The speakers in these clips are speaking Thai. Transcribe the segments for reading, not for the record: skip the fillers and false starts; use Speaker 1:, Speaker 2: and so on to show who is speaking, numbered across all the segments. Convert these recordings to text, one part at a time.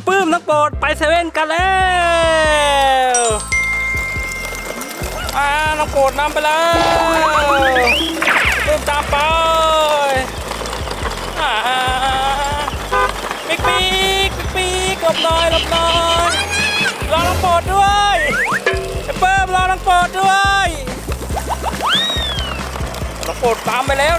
Speaker 1: พี่ปื้มน้องโปรดไปเซเว่นกันแล้วน้องโปรดนำไปแล้วปื้มตามไปปีกหลบหน่อยรอน้องโปรดด้วยพี่ปื้มรอน้องโปรดด้วยน้องโปรดตามไปแล้ว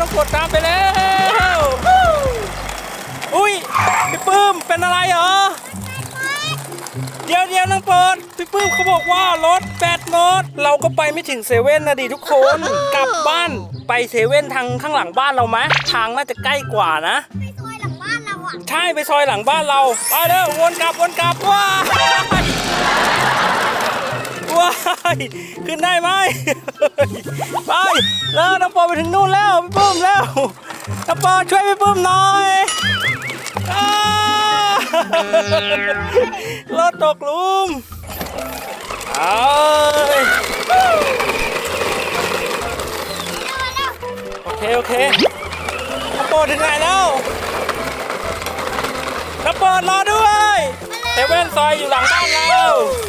Speaker 1: อุ้ยพี่ปื้มเป็นอะไรเหรอเดี๋ยวน้องโปรดพี่ปื้มเขาบอกว่ารถแบตหมดเราก็ไปไม่ถึงเซเว่นนะดิทุกคนกลับบ้านไปเซเว่นทางข้างหลังบ้านเราไหมทางน่าจะใกล้กว่านะ
Speaker 2: ไปซอยหลังบ้านเราอ่ะ
Speaker 1: ใช่ไปซอยหลังบ้านเราไปเด้อวนกลับว้ายขึ้นได้ไหมไปแล้วน้องโปรดไปถึงนู่นแล้วพี่ปื้มแล้วน้องโปรดช่วยพี่ปื้มหน่อยรถตกหลุมโอเคน้องโปรดถึงไหนแล้วน้องโปรดรอด้วยเซเว่นซอยอยู่หลังบ้านเรา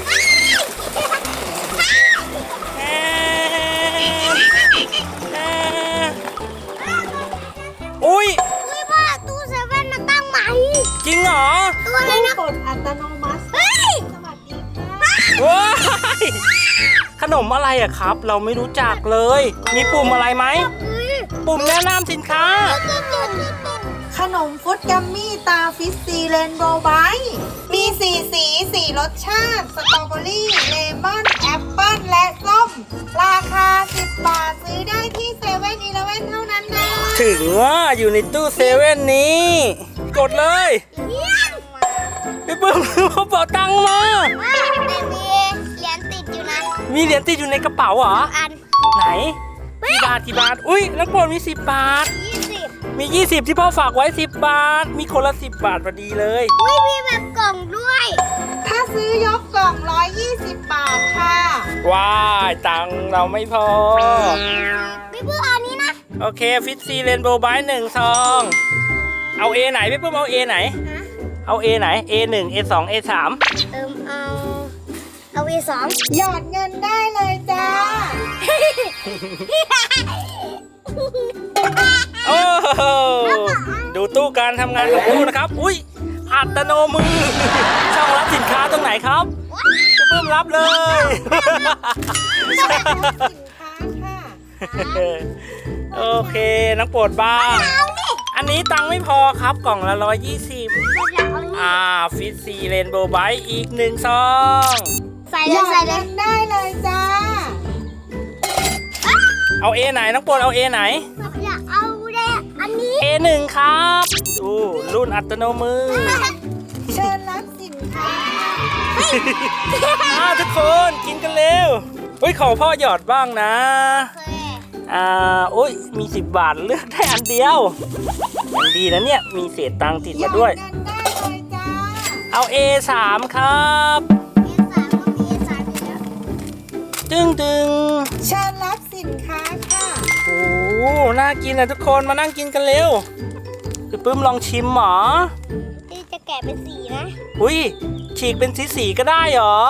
Speaker 1: อุ้ย
Speaker 2: พ่อตู้เซเว่นมาตั้งใหม่
Speaker 1: จริงเหรอ
Speaker 2: ตัวอะไรนะ
Speaker 3: กดอัตโนมัติ
Speaker 2: เฮ้ย
Speaker 3: สวัสดีค่ะ
Speaker 1: ว้ายขนมอะไรอะครับเราไม่รู้จักเลยมีปุ่มอะไรไหมปุ่มแนะนำสินค้า
Speaker 3: ขนมฟุตกัมมี่ตาฟิสซีเรนโบว์ไบท์มี4 รสชาติสตรอเบอรี่เลมอนแอปเปิ้ลและส้มราคา10 บาทซื้อได้ที่เซเว่นอีเลฟเว่นเท่านั้นนะ
Speaker 1: ถึงว่าอยู่ในตู้เซเว่นนี้กดเลยพี่ปื้มเขาเป๋าตังค์มา
Speaker 2: แต่มีเหรียญติดอยู่นะ
Speaker 1: มีเหรียญติดอยู่ในกระเป๋าเหรอ
Speaker 2: อัน
Speaker 1: ไหนกี่บาทอุ้ยน้องโปรดมี10 บาทมี20ที่พ่อฝากไว้10 บาทมีคนละ10 บาทพอดีเลย
Speaker 2: อุ้ยมีแบบกล่องด้วย
Speaker 3: ถ้าซื้อยกกล่อง120 บาทค่ะ
Speaker 1: ว้ายตังค์เราไม่พอ
Speaker 2: พี่ปื้มอันนี้นะ
Speaker 1: โอเคฟิตซีเรนโบว์ไบท์1 ซองเอา A ไหนพี่ปื้มเอา A ไหนเอา A ไหน A1 A2 A3
Speaker 2: เอา A2
Speaker 3: หยอดเงินได้เลยจ้า
Speaker 1: โอ้ดูตู้การทำงานของตู้นะครับอุ้ยอัตโนมือช่องรับสินค้าตรงไหนครับพี่ปื้มรับเลยโอเคน้องโปรดบ้างอันนี้ตังค์ไม่พอครับกล่องละ120ฟิตซีเรนโบว์ไบท์อีก1 ซอง
Speaker 2: ใส่เลย
Speaker 3: ได้เลยจ้า
Speaker 1: เอา A ไหนน้องโปรดเอา A ไหน
Speaker 2: อยากเอาอันนี้
Speaker 1: A1 ครับดูรุ่นอัตโนมือ
Speaker 3: เชิญรับสินค้า
Speaker 1: ทุกคนกินกันเร็วอุ้ยขอพ่อหยอดบ้างนะอุ้ยมี10 บาทเลือกได้อันเดียวมันดีนะเนี่ยมีเศษตังค์ติดมาด้วยเอา A3 ครับตึง
Speaker 3: เชิญรับสินค้าค่ะ
Speaker 1: โอ้น่ากินนะทุกคนมานั่งกินกันเร็วพี่ปื้มลองชิมหรอ
Speaker 2: ที่จะแกะเป็นสีนะ
Speaker 1: อุ้ยฉีกเป็นสีก็ได้หรอ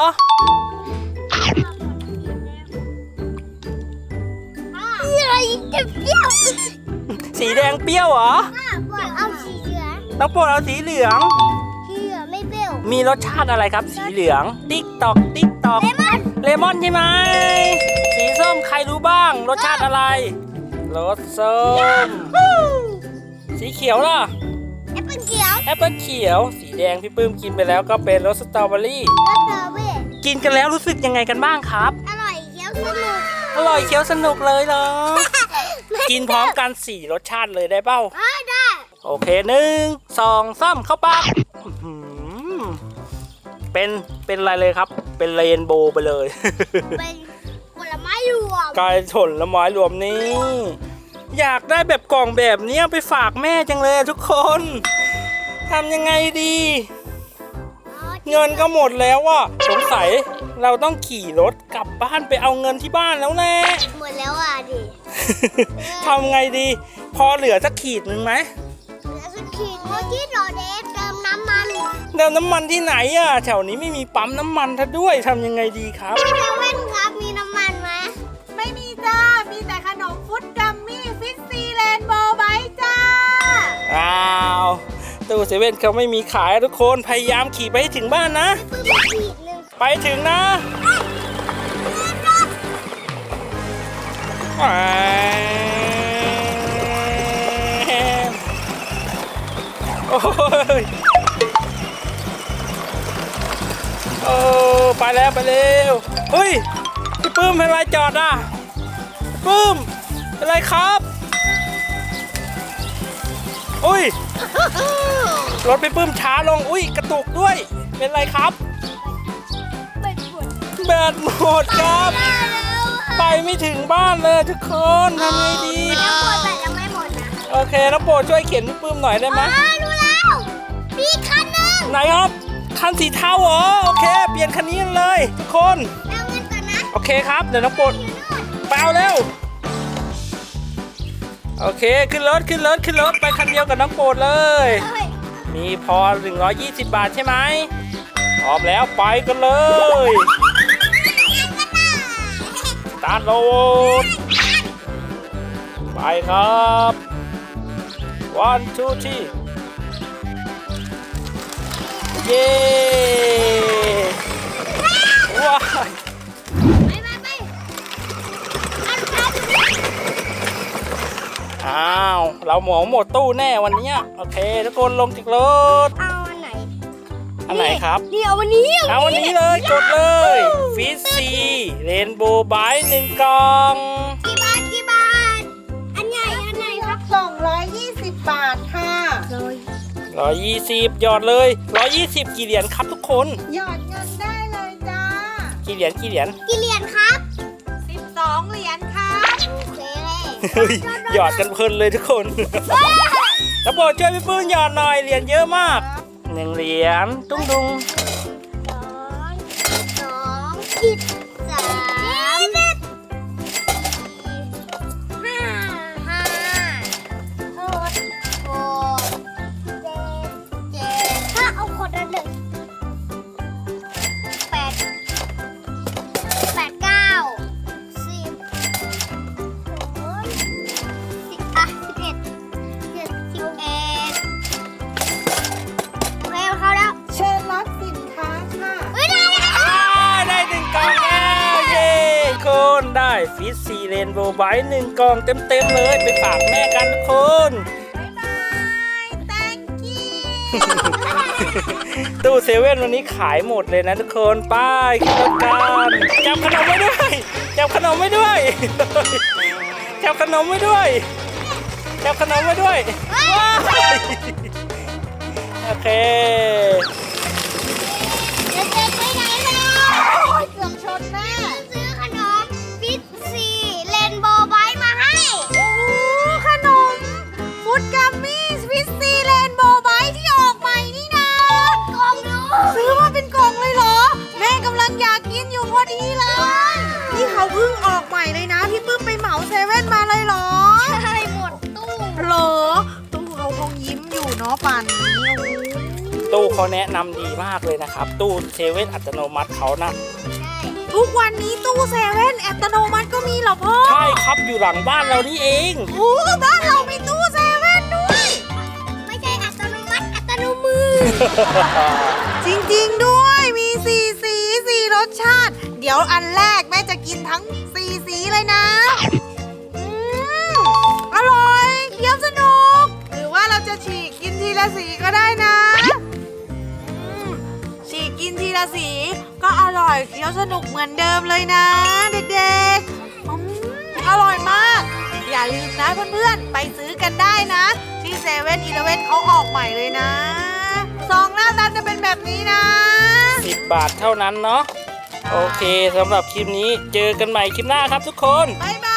Speaker 2: จะเปรี้ยว
Speaker 1: สีแดงเปรี้ยวเหรอ
Speaker 2: เอาสีเหลือง
Speaker 1: น้องโปรดเอาสีเหลือง
Speaker 2: ไม่เปรี้ยว
Speaker 1: มีรสชาติอะไรครับสีเหลืองติ๊กตอกเลมอนใช่ไหมสีส้มใครรู้บ้างรสชาติอะไรรสส้มสีเขียวล่ะ
Speaker 2: แอปเปิ้ลเขี
Speaker 1: ยวสีแดงพี่ปื้มกินไปแล้วก็เป็นรสสตรอเบอรี่กินกันแล้วรู้สึกยังไงกันบ้างครับ
Speaker 2: อร่อยเคี้ยวส
Speaker 1: นุกเลยเหรอกินพร้อมกัน4 รสชาติเลยได้เปล่า
Speaker 2: ได้
Speaker 1: โอเค1 2 3เข้าปากเป็นอะไรเลยครับเป็นเรนโบว์ไปเลย
Speaker 2: เป็นผลไม้รวม
Speaker 1: กลายผลไม้รวมนี้อยากได้แบบกล่องแบบนี้ไปฝากแม่จังเลยทุกคนทำยังไงดีเงินก็หมดแล้วอ่ะสงสัยเราต้องขี่รถกลับบ้านไปเอาเงินที่บ้านแล้วแน่
Speaker 2: หมดแล้วอ่ะดิ
Speaker 1: ทำไงดีพอเหลือสักขีดหนึ่งไหม
Speaker 2: เหลือสักขีดเมื่อกี้เราเติมน้ำมัน
Speaker 1: แล้วน้ำมันที่ไหนอะแถวนี้ไม่มีปั๊มน้ำมันซะด้วยทำยังไงดีครับ
Speaker 2: เซเว่นครับมีน้ำมันไหม
Speaker 3: ไม่มีจ้า มีแต่ขนมฟุตกัมมี่ฟิสซีเรนโบว์ไบท์จ้า
Speaker 1: อ้าวตู้เซเว่นเขาไม่มีขายทุกคนพยายามขี่ไปให้ถึงบ้านนะ
Speaker 2: ปื้มอีกขีดหนึ่ง
Speaker 1: ไปถึงนะโอ้ยโอ้ไปแล้วไปเร็วเฮ้ยพี่ปื้มเป็นไรจอดอ่ะพี่ปื้มเป็นไรครับอุ้ยรถพี่ปื้มช้าลงอุ้ยกระตุกด้วยเป็นไรครับ
Speaker 2: เป็นปวด
Speaker 1: แบตหมดครับ ไปไม่ถึงบ้านเลยทุกคนทำไงดี
Speaker 2: แล้วปวดแต่ยังไม่หมดนะ
Speaker 1: โอเคน้องโปรดช่วยเข็นพี่ปื้มหน่อยได้ไหม
Speaker 2: รู้แล้วมีคันหนึ่ง
Speaker 1: ไหนครับคันสีเทาเหรอโอเค เปลี่ยนคันนี้กันเลยทุกคน
Speaker 2: เอาเงินก่อนนะ
Speaker 1: โอเคครับเดี๋ยวน้องโปรดเปล่าเร็วโอเคขึ้นรถขึ้นรถขึ้นรถไปคันเดียวกับน้องโปรดเลย
Speaker 2: เฮ้ย
Speaker 1: มีพอ120 บาทใช่ไหมพร้อมแล้วไปกันเลย สตาร์ทรถไปครับ one two three เย้ว้าย
Speaker 2: ไป
Speaker 1: อ้าวเราหมดตู้แน่วันเนี้ยโอเคทุกคนลงจากรถ
Speaker 2: เอาอันไหน
Speaker 1: อันไหนครับ
Speaker 2: นี่เอาวันนี้
Speaker 1: เอาวันนี้เลยกดเลยฟิสซีเรนโบว์ไบท์1 กล่อง
Speaker 2: กี่บาทกี่บาท อันใหญ่อันไหนครับ
Speaker 3: 220 บาทค่ะ
Speaker 1: 120หยอดเลย120กี่เหรียญครับทุกคน
Speaker 3: หยอดเงินได้เลยจ้า
Speaker 1: กี่เหรียญกี่เหรียญ
Speaker 2: กี่เหรียญครับ
Speaker 3: 12 เหรียญค่ะ
Speaker 2: โอเค
Speaker 1: เฮ้ยหยอดกันเพลินเลยทุกคนแล้วโปรดช่วยพี่ปื้นหยอดหน่อยเหรียญเยอะมาก1 เหรียญตุ้งดุง
Speaker 2: 2 13 ถ้าเอาคนละ1 8 9 10อ่ะ11 โอเคเข้าแล้ว
Speaker 3: เชิญรับสินค้าค่ะ
Speaker 2: เฮ้ยได้แล้ว
Speaker 1: ได้1 กล่องแล้วเย้คนได้ฟิสซีเรนโบว์ไบท์1 กล่องเต็มๆเลยไปฝากแม่กันทุกคน
Speaker 3: บ๊ายบาย thank you
Speaker 1: ตู้เซเว่นวันนี้ขายหมดเลยนะทุกคนไป้ายขึ้นรถกันจับขนมไว้ด้วยจับขนมไว้ด้วยจับขนมไว้ด้วยจับขนมไว้ด้วยว้าวโอเค
Speaker 2: เด็กๆไปไหนกันเกือบชนแม่ซื้อขนมฟิสซีเรนโบว์ไบท์มาให้
Speaker 3: โอ้ขนมฟุตกัมมี่ฟิสซีเรนโบว์ไบท์ที่ออกใหม่นี่นะ
Speaker 2: กล่องดู
Speaker 3: ซื้อมาเป็นกล่องเลยเหรอ แม่กำลังอยากกินอยู่พอดีเลย นี่เขาเพิ่งออกใหม่เลยนะ พี่ปื้มไปเหมาเซเว่นมาเลยเหรอ
Speaker 2: ใช่หมดตู้
Speaker 3: เหรอตู้เขาคงยิ้มอยู่เนาะป่านนี้โอ้โห
Speaker 1: ตู้เขาแนะนำดีมากเลยนะครับ ตู้เซเว่นอัตโนมัติเขานะ
Speaker 2: ใช่
Speaker 3: ทุกวันนี้ตู้เซเว่นอัตโนมัติก็มีเหรอพ่อ
Speaker 1: ใช่ครับอยู่หลังบ้านเรานี่เอง
Speaker 3: โอ้บ้านเรามีตู้เซเว่นด้วย
Speaker 2: ไม่ใช่อัตโนมัติอัตโนมือ
Speaker 3: จริงๆด้วยมี4 สี4 รสชาติ เดี๋ยวอันแรกแม่จะกินทั้ง4 สีเลยนะอร่อยเคี้ยวสนุก หรือว่าเราจะฉีกกินทีละสีก็ได้นะฉีกกินทีละสีก็อร่อยเคี้ยวสนุกเหมือนเดิมเลยนะ เด็กๆอร่อยมาก อย่าลืมนะเพื่อนๆไปซื้อกันได้นะ ที่เซเว่นอีเลฟเว่นเขาออกใหม่เลยนะซองหน้าตาจะเป็นแบบนี้นะ
Speaker 1: 10 บาทเท่านั้นเนาะโอเคสำหรับคลิปนี้เจอกันใหม่คลิปหน้าครับทุกคน
Speaker 3: บ๊ายบา